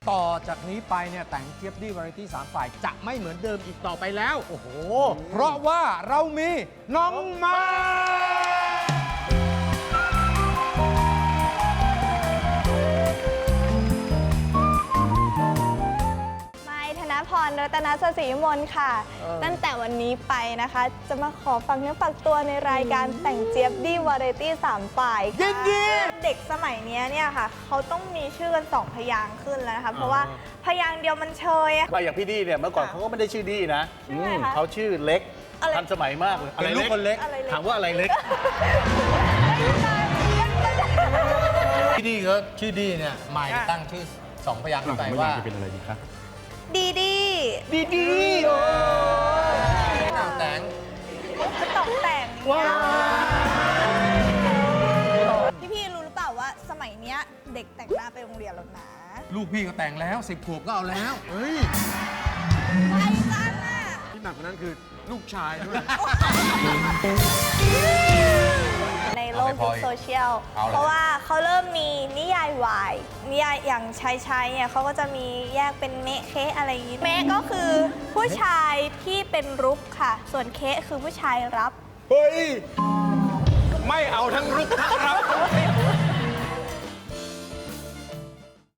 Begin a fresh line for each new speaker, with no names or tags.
ต่อจากนี้ไปเนี่ยแต่งเจี๊ยบดี้วาไรตี้3ฝ่ายจะไม่เหมือนเดิมอีกต่อไปแล้ว โอ้โห เพราะว่าเรามีน้องมา
ไมค์ธนพร รัตนศรีวิมลค่ะ ตั้งแต่วันนี้ไปนะคะ จะมาขอฟังเนื้อฝากตัวในรายการแต่งเจี๊ยบดี้วาไรตี้3ฝ่าย
ยินดี
เด็กสมัยนี้เนี่ยค่ะ เขาต้องมีชื่อกัน2 พยางค์ขึ้นแล้วนะคะ เพราะว่าพยางค์เดียวมันเชยอะ
มาอย่างพี่ดี้เนี่ยเมื่อก่อนเขาก็ไม่ได้ชื่อดี้นะ
ชื่ออะไรคะ
เขาชื่อเล็ก
อะไร
ทันสมัยมากเลย
เป็นลูกคนเล็ก
อะไรเล็ก
ถามว่าอะไรเล็ก
พี่ดีก็ชื่อดีเนี่ยหมายตั้งชื่อ2 พยางค์ขึ้นไปว่า
เป็นอะไรดีครับ
ดีดี
ดีดีโอ้ยหนังแต่ง
ก็ตกแต่ง
ว้าว
พี่รู้หรือเปล่าว่าสมัยเนี้ยเด็กแต่งหน้าไปโรงเรียนแล้วนะ
ลูกพี่ก็แต่งแล้ว10 ขวบก็เอาแล้วเฮ้ย
ไปจังอ่ะ
ที่หนักกว่านั้นคือลูกชายด้วย
ในโลกยุคโซเชียล
เอาละ
เพราะว่าเขาเริ่มมีนิยายวายนิยายอย่างชายเนี่ยเขาก็จะมีแยกเป็นเมะเคะอะไรอย่างนี้เมะก็คือผู้ชายที่เป็นรุกค่ะ ส่วนเคะคือผู้ชายรับ
เฮ้ย ไม่เอาทั้งรุกทั้งรับ